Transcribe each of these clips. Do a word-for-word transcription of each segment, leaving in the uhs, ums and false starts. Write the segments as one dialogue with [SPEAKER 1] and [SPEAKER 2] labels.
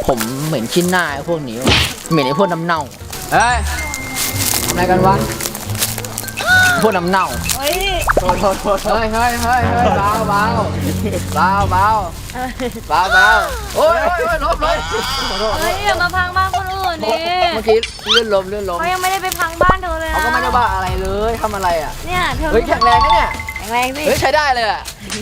[SPEAKER 1] ผมเหม็นขี้หน้าไอ้พวกนี้ว่ะเหม็นไอ้พวกน้ำเน่าเฮ้ยทำอะไรกันวะพวกน้ำเน่าเฮ้ยโทษโทษโทษเฮ้ยเฮ้ยเฮ้ยเฮ้ยเบาเบาเบาเบาเบาเบาโอ้ยโอ้ยลบลบ
[SPEAKER 2] เฮ้ยอย่ามาพังบ้านคนอื่นดิ
[SPEAKER 1] เมื่อกี้เลื่อนลมเลื่อนลม
[SPEAKER 2] เขายังไม่ได้ไปพังบ้านเธอเลยนะ
[SPEAKER 1] เขาก็ไม่ได้บ้าอะไรเลยทำอะไรอ่ะ
[SPEAKER 2] เนี่ยเธอ
[SPEAKER 1] เฮ้ยแข็งแรงนะเนี่ย
[SPEAKER 2] แข็งแรงสิ
[SPEAKER 1] เฮ้ยใช้ได้เลยอ่ะ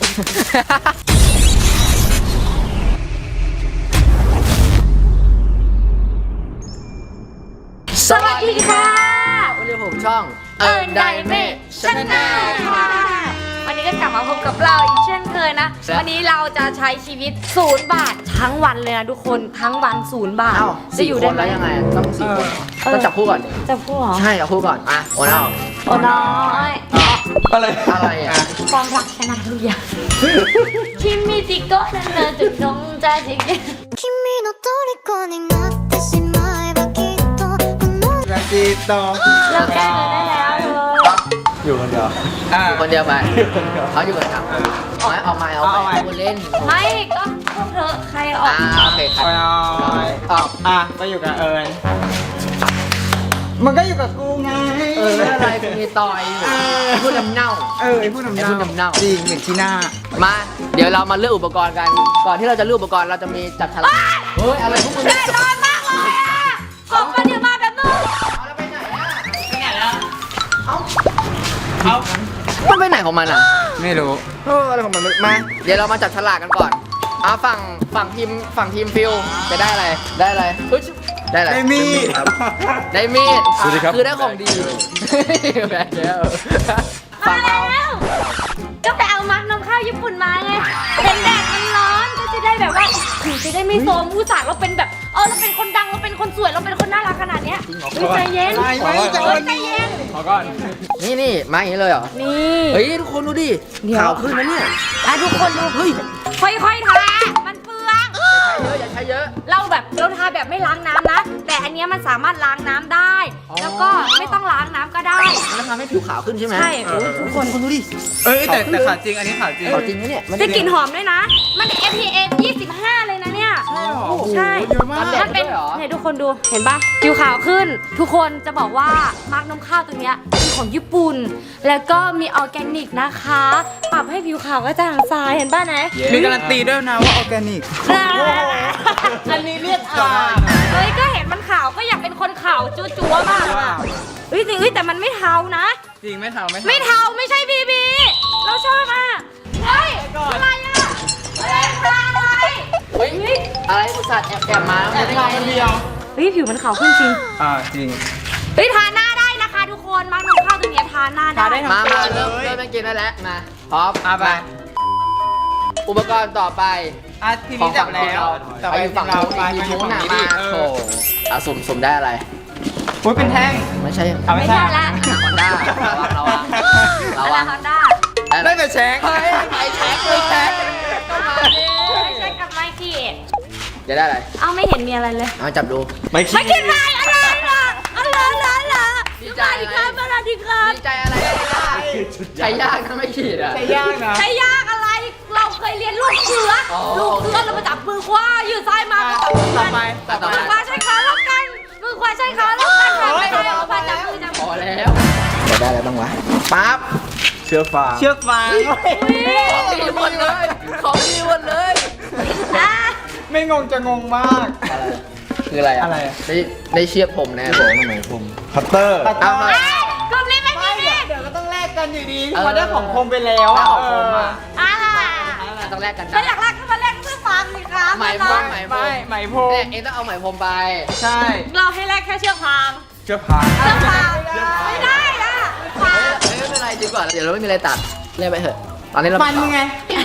[SPEAKER 2] สวัสดีค่ะ
[SPEAKER 1] วันนี้ผมช่อง
[SPEAKER 2] เอิร์นไดเมทชาแนลค่ะวันนี้ก็กลับมาพบกับเราอีกเช่นเคยนะวันนี้เราจะใช้ชีวิตศูนย์บาททั้งวันเลยนะทุกคนทั้งวันศูนย์บาท
[SPEAKER 1] จะอยู่ได้ไหมยังไงต้องสี่คนต้องจับคู่ก่อน
[SPEAKER 2] จับคู่เหรอ
[SPEAKER 1] ใช่จับคู่ก่อนอ่ะโอ้น้อย
[SPEAKER 2] โอ้น้อย
[SPEAKER 1] อะไรอะไรอ่ะ
[SPEAKER 2] ความรักชนะทุกอย่างคิมมิจิโกะนั่นเลยจุดนงใจจริงคิมมิโนโตริโกะになってしまえばきっと
[SPEAKER 3] นาทีต่อ
[SPEAKER 2] เราแก้เงินได้แล้วเลย
[SPEAKER 3] อยู่คนเดียว
[SPEAKER 1] อยู่คนเดียวไปเขาอยู่คนเดียวเอาออกมาเอาไปเล่น
[SPEAKER 2] ไม่ก็พวกเธอใครออก
[SPEAKER 1] โอเคครับ
[SPEAKER 3] ออกอ่ะก็อยู่กับเอิญมันก็อยู่กับกูไง
[SPEAKER 1] เอออะไรกูมีต่อยพูดน้ำเน่า
[SPEAKER 3] เออไอ้พูดน้ำเน่าจริงเหม็นขี้หน้า
[SPEAKER 1] มาเดี๋ยวเรามาเลือกอุปกรณ์กันก่อนที่เราจะเลือกอุปกรณ์เราจะมีจับฉลากเฮ้ยอะไรพวกมึง
[SPEAKER 2] แน่นอนมากเลยอ่ะของมันเดี๋ยวมาแบบนึง
[SPEAKER 1] เอาแล้วไปไหนอ่ะไปไหนแล้วเอาเอามันไปไหนของมันอ่ะ
[SPEAKER 3] ไม่รู้เอออะไรของมันมา
[SPEAKER 1] เดี๋ยวเรามาจับฉลากกันก่อนเอาฝั่งฝั่งทีมฝั่งทีมฟิลจะได้อะไรได้อะไรได้อะไร
[SPEAKER 3] ได้มีด
[SPEAKER 1] ได้มีด
[SPEAKER 3] สวัสดีครับ
[SPEAKER 1] คือได้ของดีแบกแล้ว
[SPEAKER 2] มาแล้วก็ไปเอามักนมข้าวญี่ปุ่นมาไงเป็นแดดมันร้อนก็จะได้แบบว่าถึงจะได้ไม่โซมผู้สาวเราเป็นแบบเออเราเป็นคนดังเราเป็นคนสวยเราเป็นคนน่ารักขนาดเนี้ยใจเย็นใจเย็น
[SPEAKER 3] ขอก่อน
[SPEAKER 1] นี่นี่มาอย่างนี้เลยเหรอ
[SPEAKER 2] นี่
[SPEAKER 1] เฮ้ยทุกคนดูดิขาวขึ้นนะเนี่ย
[SPEAKER 2] อ่ะทุกคนดูเฮ้ยค่อยๆทามันเปลือง
[SPEAKER 1] อย่าใช้เยอะ
[SPEAKER 2] เราแบบเราทาแบบไม่ล้างน้ำนะแต่อันนี้มันสามารถล้างน้ำได้แล้วก็ไม่ต้องล้างน้ำก็ได้
[SPEAKER 1] มันทำให้ผิวขาวขึ้นใช่ไหม
[SPEAKER 2] ใช่ทุกคน
[SPEAKER 1] คุณดูดิ
[SPEAKER 3] เอ้ยแต่แต่ขาวจริงอันนี้ขาวจริง
[SPEAKER 1] ขาวจริงนะเนี่ย
[SPEAKER 2] จะกลิ่นหอมด้วยนะมัน เอฟ พี เอฟ ยี่สิบห้าเลยนะเนี่ย
[SPEAKER 3] ใช่หรอ
[SPEAKER 2] ใช่มันเป็นเนี่ยทุกคนดูเห็นปะผิวขาวขึ้นทุกคนจะบอกว่ามาร์กนมข้าวตัวเนี้ยเป็นของญี่ปุ่นแล้วก็มีออร์แกนิกนะคะปรับให้ผิวขาวกระจ่างใสเห็นป่ะนะ
[SPEAKER 3] มีการันตีด้วยนะว่าออร์แกนิก
[SPEAKER 2] อันนี้เรียกอ่าเฮ้ยก็เห็นมันขาวก็อยากเป็นคนขาวจั๊วๆมากอ่ะเฮ้ยจริงแต่มันไม่เทานะ
[SPEAKER 3] จริงไม่เทาไม่
[SPEAKER 2] ไม่เทาไม่ใช่บีบีเราชอบอ่ะเฮ้ยอะไรอ่ะเฮ้ยอะไร
[SPEAKER 1] เฮ้ยอะไรอุตส่าห์แอบแอบมา
[SPEAKER 3] แอบทาคนเดียว
[SPEAKER 2] เฮ้ยผิวมันขาวขึ้นจริง
[SPEAKER 3] อ่าจริง
[SPEAKER 2] เฮ้ยทาหน้าได้นะคะทุกคนมาร์กนมข้าวตัวนี้ทาหน้าได้
[SPEAKER 1] มามาเริ่มเริ่มกินได้แล้วมาพร้อม
[SPEAKER 3] มาไป
[SPEAKER 1] อุปกรณ์ต่อไป
[SPEAKER 3] อ่ะทีนี้จับแล้ว
[SPEAKER 1] ต่อไปฝั่งเราไปทีนู้นน่ะมาโถอ่ะสุ่มสุ่มได้อะไร
[SPEAKER 3] โอ้ยเป็นแท่ง
[SPEAKER 1] ไม่ใช่
[SPEAKER 2] ไม่ใช่ละ
[SPEAKER 1] ฮอนด้าเราอะเราอะ
[SPEAKER 2] ฮอนด้า
[SPEAKER 3] ได้แต่แช็ค
[SPEAKER 1] เฮ้ยไปแช็คเลยแช็ค
[SPEAKER 2] ต้องมาดิแช็คกับไมค์คีด
[SPEAKER 1] จะได้อะไร
[SPEAKER 2] เอาไม่เห็นมีอะไรเลย
[SPEAKER 1] เอาจับดู
[SPEAKER 3] ไมค์คี
[SPEAKER 2] ดอะไรอะไรล่ะอะไรล่ะล่ะดีใจครับสวัสดีครับ
[SPEAKER 1] ดีใจอะไรใช้ยากนะไม่ขีดอะ
[SPEAKER 3] ใช้ยากนะ
[SPEAKER 2] ใช้ยากอะไรเราเคยเรียนลูกเสือลูกเสือเรามาจับมือขวายืดซ้ายมาจับมือขวามือขวาใช้ขาล็อกกันมือขวาใช้ขาล็อกกันไม่ได้เอามาจับมือจับมือ
[SPEAKER 1] พอแล้วจะได้อะไรบ้างวะปั๊บ
[SPEAKER 3] เชือกฟางเชือกฟาง
[SPEAKER 1] ของดีหมดเลยของดีหมดเลย
[SPEAKER 3] ไม่งงจะงงมาก
[SPEAKER 1] คืออะไรอะไรได้ได้เชือกผมแน่ผมทำไมผมคัตเตอร์
[SPEAKER 3] เอาม
[SPEAKER 2] ากลุ่มนี้ไม่มี
[SPEAKER 3] เดี๋ยวก็ต้องแลกกันอยู่ดีเพราะได้ของผมไปแล้วอ่ะ
[SPEAKER 1] ของผมอ่ะ
[SPEAKER 2] อ่า
[SPEAKER 1] ต้องแลกกัน
[SPEAKER 2] ถ้าอยากแลกก็มาแลกเสื้อฟางสิครับ
[SPEAKER 1] ไหมพรมไหมพรม
[SPEAKER 3] ไหมพรม
[SPEAKER 1] เองต้องเอาไหมพรมไป
[SPEAKER 3] ใช่
[SPEAKER 2] เราให้แลกแค่เชือกฟาง
[SPEAKER 3] เชือกฟาง
[SPEAKER 2] เชือกฟางไม่ได้อ่ะฟาง
[SPEAKER 1] ไม่เป็นไรดีกว่าเดี๋ยวเราไม่มีอะไรตัดเล่นไปเถอะตอนนี้เรา
[SPEAKER 3] มันไง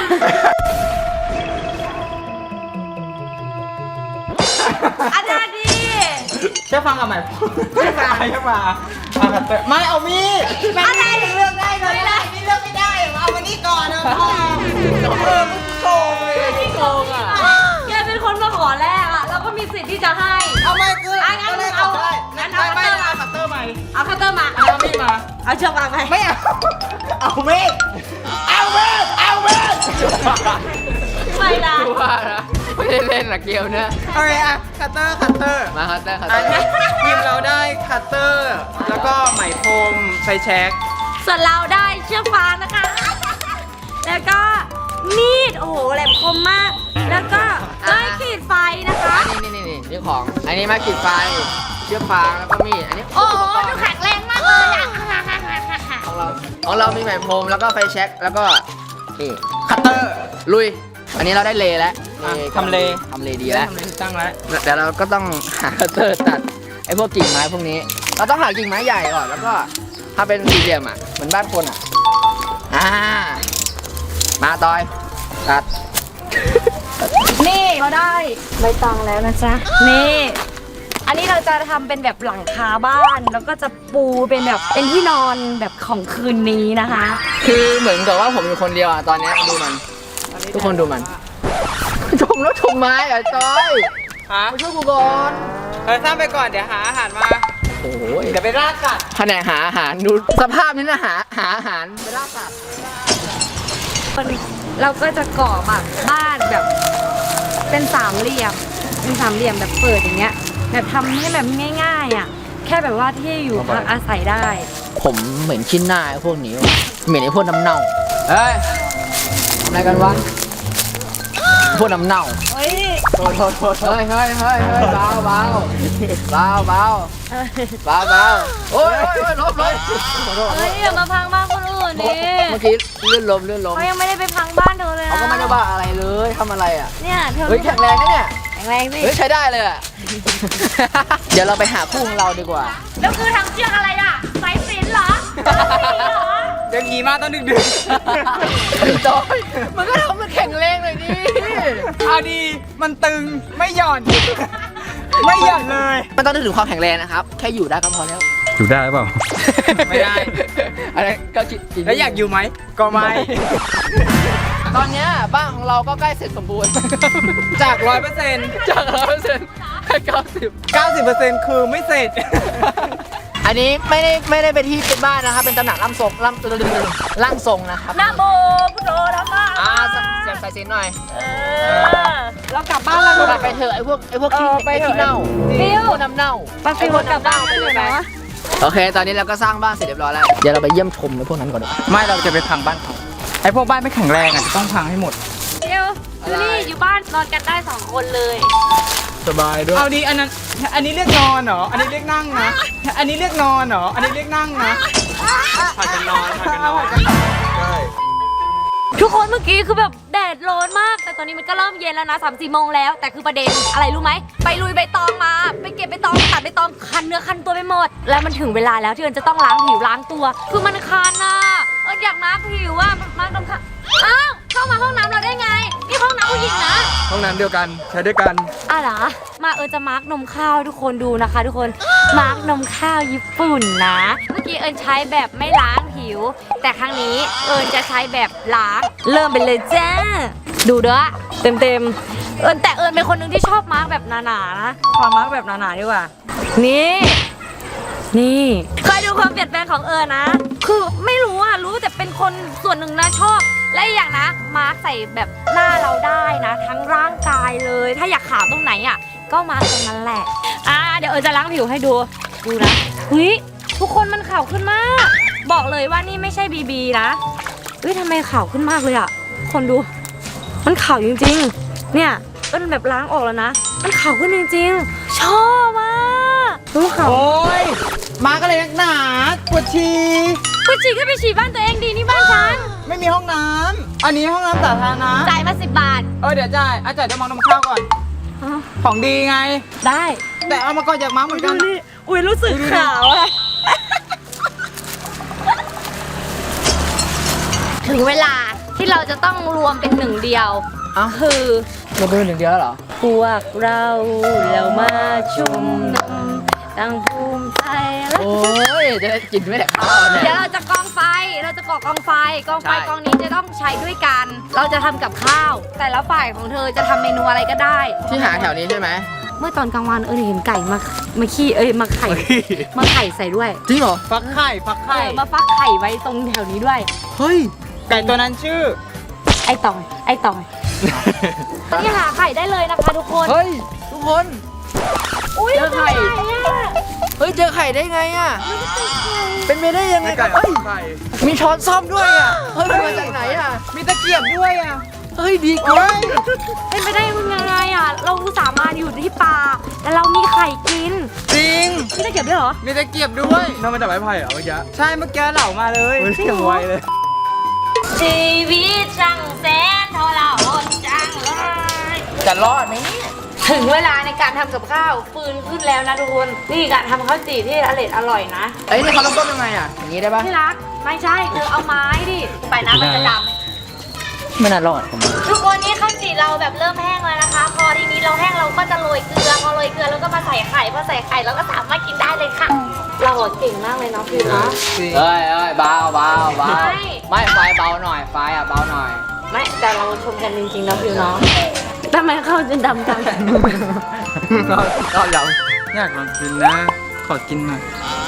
[SPEAKER 2] อาจารย์ดี
[SPEAKER 3] เชือกฟางกับไหมพรมเชือกฟางเชือกฟางไม่เอามีด
[SPEAKER 2] อะไร
[SPEAKER 3] เลือกได้เลยนี่เลือกไม่ได้เอามานี่ก่อนนะพ่อเออมึงโกงเลย
[SPEAKER 2] ที่โกงอ่ะแกเป็นคนมาขอแรกอ่ะเราก็มีสิทธิ์ที่จะให้
[SPEAKER 3] เอาไม่คือ
[SPEAKER 2] อ่ะงั้นเอางั้นเอาคัตเตอร์มา
[SPEAKER 3] คัตเตอร์ใหม่
[SPEAKER 2] เอาคัตเตอร์มา
[SPEAKER 3] เอามีดมา
[SPEAKER 2] เอาเชือกฟางไป
[SPEAKER 3] ไม่เอาเอามีดเอามีดเอามีด
[SPEAKER 2] ไม่ละ
[SPEAKER 1] ว่านะไม่ได้เล่นหรอกเกมเนี่ย
[SPEAKER 3] โอเคอะคัตเตอร์คัตเตอร์
[SPEAKER 1] มาคัตเตอร์คัต
[SPEAKER 3] อั
[SPEAKER 1] เตอน ร์
[SPEAKER 3] นี้ทีมเราได้คัตเตอร์ แล้วก็ไหมพรมไฟแช็ก
[SPEAKER 2] ส่วนเราได้เชือกฟางนะคะ แล้วก็มีดโอ้โหแหลมคมมาก แล้วก็ได้ขีดไฟนะคะ
[SPEAKER 1] อันนี้นี่นี่นี่ของ อันนี้มาขีดไฟ เชือกฟางแล้วก็มีด อันนี้
[SPEAKER 2] โอ้โหดูแข็งแรงมากเลยอ่ะ
[SPEAKER 1] ของเรา ของเรามีไหมพรมแล้วก็ไฟแช็กแล้วก็นี่คัตเตอร์ ลุย อันนี้เราได้เลแล้วทำเลทำเลดีแล้ว
[SPEAKER 3] ทำอะไรตั้งแล้ว
[SPEAKER 1] เดี๋ยวเราก็ต้องหาคัตเตอร์ตัดไอ้พวกกิ่งไม้พวกนี้ เราต้องหากิ่งไม้ใหญ่ก่อนแล้วก็ถ้าเป็นสี่เหลี่ยมอ่ะเหมือนบ้านคนอ่ะอ่ามาตอยตัด
[SPEAKER 2] นี่เราได้ใบตองแล้วนะจ๊ะ นี่ อันนี้เราจะทำเป็นแบบหลังคาบ้าน แล้วก็จะปูเป็นแบบเป็นที่นอนแบบของคืนนี้นะคะ
[SPEAKER 1] คือเหมือนกับว่าผมอยู่คนเดียวอ่ะตอนเนี้ยดูมัน ทุกคนดูมันชมแล้วชมไม้อ่ะจอย
[SPEAKER 3] ฮะ
[SPEAKER 1] มาช่วยกูก่อน
[SPEAKER 3] เออสร้างไปก่อนเดี๋ยวหาอาหารมา
[SPEAKER 1] โอ้ย
[SPEAKER 3] เดี๋ยวไปราดกัด
[SPEAKER 1] แผนกหาอาหารดูสภาพนี้นะหาหาอาหารไปล่าสัตว์
[SPEAKER 2] เราก็จะก่อแบบบ้านแบบเป็นสามเหลี่ยม เป็นสามเหลี่ยมแบบเปิดอย่างเงี้ย แบบทำให้แบบง่ายๆอ่ะ แค่แบบว่าที่อยู่พักอาศัยได้
[SPEAKER 1] ผมเหม็นขี้หน้าไอ้พวกนี้ว่ะเหม็นไอ้พวกน้ำเน่าเฮ้ยทำอะไรกันวะพวกน้ำเน่า
[SPEAKER 2] เฮ้ย
[SPEAKER 1] โทษโทษโทษเฮ้ยเฮ้ยเฮ้ยเฮ้ยเบาเบาเบาเบาเบาเบาโอ้ยโอ้ยโอ้ยลบเลยขอโทษขอโท
[SPEAKER 2] เฮ้
[SPEAKER 1] ษ
[SPEAKER 2] ยอย่ามาพังบ้านคนอื่นดิ
[SPEAKER 1] เมื่อกี้เลื่อนลมเลื่อนลม
[SPEAKER 2] เขายังไม่ได้ไปพังบ้านเธอเลยนะ
[SPEAKER 1] เขาก็ไม่ได้ว่าอะไรเลยทำอะไรอ่ะ
[SPEAKER 2] เนี่ยเธอ
[SPEAKER 1] เฮ้ยแข็งแรงนะเนี่ย
[SPEAKER 2] แข็งแรงสิ
[SPEAKER 1] เฮ้ยใช้ได้เลยอ่ะ เดี๋ยวเราไปหาคู่ของเราดีกว่า
[SPEAKER 2] แล้วคือทำเชือกอะไรอ่ะสายสิญจน์เหรอสายสิญจน์เหรอ
[SPEAKER 3] เดี๋ยวขี่มาตอนดึกดึก
[SPEAKER 1] จอยมันก็ทำมันแข็งแรงเลยดิ
[SPEAKER 3] เอาดีมันตึงไม่หย่อน ไม่หย่อนเลย
[SPEAKER 1] มันต้องนึกถึงความแข็งแรงนะครับ แค่อยู่ได้ก็พอแล้ว
[SPEAKER 4] อยู่ได้หรือเปล่า
[SPEAKER 3] ไม่ได้
[SPEAKER 1] อะไรก็คิดจริง
[SPEAKER 3] แล้วอยากอยู่ไหมก็ไม่
[SPEAKER 1] ตอนเนี้ยบ้านของเราก็ใกล้เสร็จสมบูรณ์
[SPEAKER 3] จากร้อยเปอร์เซ็นต์
[SPEAKER 1] จากร้อยเปอร์เซ็นต์แค่เก้าสิบ
[SPEAKER 3] เก้าสิบเปอร์เซ็นต์คือไม่เสร็จ
[SPEAKER 1] อันนี้ไม่ได้ไม่ได้เป็นที่เป็นบ้านนะครับ เป็นตำหนักร่างทรงร่างร่างทรงนะครับ
[SPEAKER 2] นะโมพุทโธธรรมะ
[SPEAKER 1] อ่าเสียงใส่เสียงหน่อย
[SPEAKER 2] เออเรากลับบ้านแล้ว
[SPEAKER 1] กลับไปเถอะไอ้พวกไอ้พวกขี้ไอ้ขี้เน่า
[SPEAKER 2] ฟิว
[SPEAKER 1] พวกน้ำเน่า
[SPEAKER 2] ไปฟิวกลับบ้านไปเลยนะ
[SPEAKER 1] โอเค ตอนนี้เราก็สร้างบ้านเสร็จเรียบร้อยแล้ว เดี๋ยวเราไปเยี่ยมชมไอ้พวกนั้นก่อนดีกว่า
[SPEAKER 3] ไม่เราจะไปพังบ้านเขาไอพวกบ้านไม่แข็งแรงอ่ะจะต้องพังให้หมด
[SPEAKER 2] ฟิวดูนี่อยู่บ้านนอนกันได้สองคนเลย
[SPEAKER 1] สบายด้วย
[SPEAKER 3] เอาดีอันนั้นอันนี้เรียกนอนเหรออันนี้เรียกนั่งนะอันนี้เรียกนอนเหรออันนี้เรียกนั่งนะผัดกันนอนผัดกันนอนใช่
[SPEAKER 2] ทุกคนเมื่อกี้คือแบบแดดร้อนมาก แต่ตอนนี้มันก็เริ่มเย็นแล้วนะสามสี่โมงแล้ว แต่คือประเด็นอะไรรู้ไหมไปลุยใบตองมาไปเก็บใบตองตัดใบตองคันเนื้อคันตัวไปหมด แล้วมันถึงเวลาแล้วที่เอิญจะต้องล้างผิวล้างตัว คือมันคันน่ะเอิญอยากมาร์คผิวว่ามาร์คตรงค่ะอ้าวเข้ามาห้องน้ำเราได้ไงนี่ห้องน้ำผู้หญิงนะ
[SPEAKER 4] ห้องน้ำเดียวกัน ใช้ด้วยกัน
[SPEAKER 2] อ่ะเหรอมาเอิญจะมาร์กนมข้าวให้ทุกคนดูนะคะ ทุกคนมาร์กนมข้าวญี่ปุ่นนะ เมื่อกี้เอิญใช้แบบไม่ล้างผิว แต่ครั้งนี้เอิญจะใช้แบบล้างเริ่มไปเลยจ้าดูเด้อเต็มเต็มๆเอิญแต่เอิญเป็นคนหนึ่งที่ชอบมาร์กแบบหนาๆนะขอมาร์กแบบหนาๆดีกว่านี่ นี่เคยดูความเปลี่ยนแปลงของเอิญนะ คือไม่รู้อะรู้แต่เป็นคนส่วนหนึ่งนะชอบ และอีกอย่างนะ มาร์คใส่แบบหน้าเราได้นะ ทั้งร่างกายเลย ถ้าอยากขาวตรงไหนอะก็มาร์คตรงนั้นแหละ อ่าเดี๋ยวเอิญจะล้างผิวให้ดู ดูนะเฮ้ยทุกคนมันขาวขึ้นมาก บอกเลยว่านี่ไม่ใช่บีบีนะเฮ้ยทำไมขาวขึ้นมากเลยอะคนดู มันขาวจริงๆ เนี่ยเอิญแบบล้างออกแล้วนะ มันขาวขึ้นจริงๆ ชอบมากรู้ขาว
[SPEAKER 3] โอ้ยมาก็เลยนักหนาปวดฉี่
[SPEAKER 2] กูฉี่ก็ไปฉี่บ้านตัวเองดีนี่บ้านฉัน
[SPEAKER 3] ไม่มีห้องน้ำอันนี้ห้องน้ำสาธารณะ
[SPEAKER 2] จ่ายมาสิบบาท
[SPEAKER 3] เออเดี๋ยวจ่ายอาจ่ายเดี๋ยวมองนมข้าวก่อน
[SPEAKER 2] อ้าว
[SPEAKER 3] ของดีไง
[SPEAKER 2] ได้
[SPEAKER 3] แต่เอามาก่อนอยากมาเหมือนกัน
[SPEAKER 2] อุ้ยรู้สึกขาวอะถึงเวลาที่เราจะต้องรวมเป็นหนึ่งเดียว
[SPEAKER 1] เอ้า
[SPEAKER 2] คือ
[SPEAKER 1] เราเป็นหนึ่งเดียวแล้วเหรอ
[SPEAKER 2] พวกเราเรามาชุมนุมตั้งภูมิใจและ
[SPEAKER 1] โอ้ย จะได้กินไม่ได้ข้าวเนี่ย
[SPEAKER 2] เดี๋ยวเราจะกองไฟ เราจะก่อกองไฟ กองไฟ
[SPEAKER 1] ใช่
[SPEAKER 2] กองนี้จะต้องใช้ด้วยกัน เราจะทำกับข้าว แต่ละฝ่ายของเธอจะทำเมนูอะไรก็ได้
[SPEAKER 1] ที่หาแถวนี้ใช่ไหม
[SPEAKER 2] เมื่อตอนกลางวันเออเห็นไก่มามาขี้เอ้ยมาไข่มาไข่ใส่ด้วย
[SPEAKER 1] จริงเหรอ
[SPEAKER 3] ฟักไข่ฟัก
[SPEAKER 2] เอ
[SPEAKER 3] ไข่
[SPEAKER 2] อมาฟักไข่ไว้ตรงแถวนี้ด้วย
[SPEAKER 1] เฮ้ย
[SPEAKER 3] ไก่ตัวนั้นชื่อ
[SPEAKER 2] ไอ้ตองไอ้ตองนี่หาไข่ได้เลยนะคะทุกคน
[SPEAKER 1] เฮ้ยทุกคน
[SPEAKER 2] อุ้ย
[SPEAKER 1] เจอไข่
[SPEAKER 2] อะ
[SPEAKER 1] เฮ้ยเจอไข่ได้ไงอ่ะเป็นไปได้ยังไง
[SPEAKER 4] ไม่
[SPEAKER 1] กั
[SPEAKER 4] ไก่
[SPEAKER 1] นเฮ้ย
[SPEAKER 4] ไข่
[SPEAKER 1] มีช้อนซ่อมด้วยอ่ะเฮ้ยมาจากไหนอ่ะ
[SPEAKER 3] มีตะเกียบด้วยอ่ะ
[SPEAKER 1] เฮ้ยดีกว่า
[SPEAKER 2] เป็นไปได้ยังไงอ่ะเราอุตส่าห์มาอยู่ที่ป่าแต่เรามีไข่กิน
[SPEAKER 3] จริง
[SPEAKER 2] พี่จะเก็บด้วยเหรอ
[SPEAKER 3] มีตะเกียบด้วย
[SPEAKER 4] น้องมาจากไม้ไผ่เหรอเมื่อกี้
[SPEAKER 3] ใช่เมื่อกี้เหล่ามาเลย
[SPEAKER 4] เฮ้ยยังไวเลย
[SPEAKER 2] ชีวิตช่างแสนทรหดจังเลย
[SPEAKER 1] จะรอดไหมเนี่ย
[SPEAKER 2] ถึงเวลาในการทำกับข้าวฟืนขึ้นแล้วนะทุกคนนี่การทำข้าวจี่ที่อร่อยอร่อยนะ
[SPEAKER 1] เอ้ยนี่เขาต้องต้มยังไงอ่ะอย่างนี้ได้ปะ
[SPEAKER 2] ที่รักไม่ใช่เธอเอาไม้ดิไปน้ำมันจะด
[SPEAKER 1] ไม่น่ารอดผมว่า
[SPEAKER 2] ำทุกคนนี่ข้าวจี่เราแบบเริ่มแห้งแล้วนะคะ พอทีนี้เราแห้งเราก็จะโรยเกลือพอโรยเกลือแล้วก็มาใส่ไข่พอใส่ไข่เราก็สามารถกินได้เลยค่ะ เราอะเก่งมากเลยเนาะพี่เนาะ
[SPEAKER 1] เอ้ยเอ้ยเบาเบาเบา
[SPEAKER 2] ไม่
[SPEAKER 1] ไม่ไฟเบาหน่อยไฟอ่ะเบาหน่อย
[SPEAKER 2] ไม่แต่เราชมกันจริงๆนะพี่เนาะทำไมข้าวจะดำจัง
[SPEAKER 1] รอดรอดยัง
[SPEAKER 3] อยากลองกินนะ ขอกินหน่อย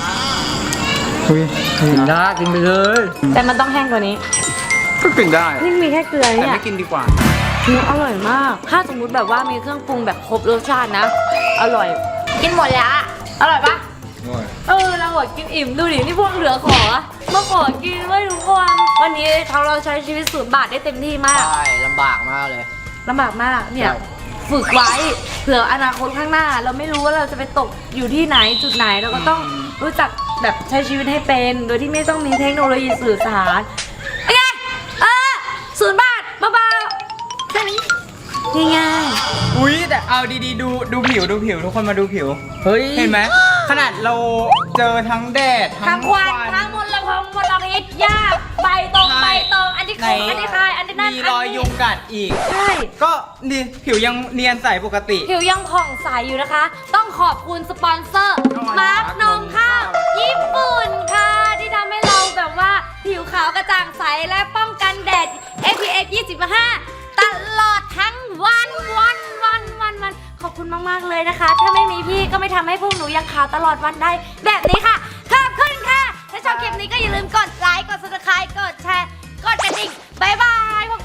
[SPEAKER 1] กินได้กินไปเลย
[SPEAKER 2] แต่มันต้องแห้งกว่านี้
[SPEAKER 3] ก็กินได้
[SPEAKER 2] นี่มีแค่เกลือ
[SPEAKER 3] แต่
[SPEAKER 2] เนี่ย
[SPEAKER 3] ไม่กินดีกว่า
[SPEAKER 2] มันอร่อยมาก ถ้าสมมุติแบบว่ามีเครื่องปรุงแบบครบรสชาตินะ อร่อย กินหมดแล้วอะอร่อยปะเออเราอะกินอิ่มดูดินี่พวกเหลือขอมาขอกินไว้ทุกคนวันนี้เราเราใช้ชีวิตศูนย์บาทได้เต็มที่มาก
[SPEAKER 1] ใช่ลำบากมากเลย
[SPEAKER 2] ลำบากมากเนี่ย
[SPEAKER 1] ใช่
[SPEAKER 2] ฝึกไว้เผื่ออนาคตข้างหน้า เราไม่รู้ว่าเราจะไปตกอยู่ที่ไหนจุดไหนเราก็ต้องรู้จักแบบใช้ชีวิตให้เป็น โดยที่ไม่ต้องมีเทคโนโลยีสื่อสารโอเคเออศูนย์บาทเบาๆแค่นี้ง่าย
[SPEAKER 3] อุ้ยแต่เอาดีๆดูดูผิวดูผิวทุกคนมาดูผิว
[SPEAKER 1] เฮ้ย
[SPEAKER 3] เห็นไหมขนาดเราเจอทั้งแดด
[SPEAKER 2] ๆทั้งควันทั้งมลพิษมลพิษหญ้าใบตรงใบตองอันที่
[SPEAKER 3] ไหน
[SPEAKER 2] คงอันที่คายอันที่นั่น
[SPEAKER 3] มีรอยยุงกัดอีก
[SPEAKER 2] ใช่
[SPEAKER 3] ก็ดีผิวยังเนียนใสปกติ
[SPEAKER 2] ผิวยังผ่องใสอยู่นะคะ ต้องขอบคุณสปอนเซอร์
[SPEAKER 3] นม
[SPEAKER 2] มาร์กนมข้าวญี่ปุ่นค่ะ ที่ทำให้เราแบบว่าผิวขาวกระจ่างใสและป้องกันแดด เอ พี เอฟ ยี่สิบห้า ตลอดทั้งวันวันวันวันวันขอบคุณมาก ๆ เลยนะคะ ถ้าไม่มีพี่ก็ไม่ทำให้พวกหนูยังขาวตลอดวันได้ แบบนี้ค่ะ ขอบคุณค่ะ ถ้าชอบคลิปนี้ก็อย่าลืมกดไลค์ กด ซับสไครบ์ กดแชร์ กดกระดิ่งบายบายพวก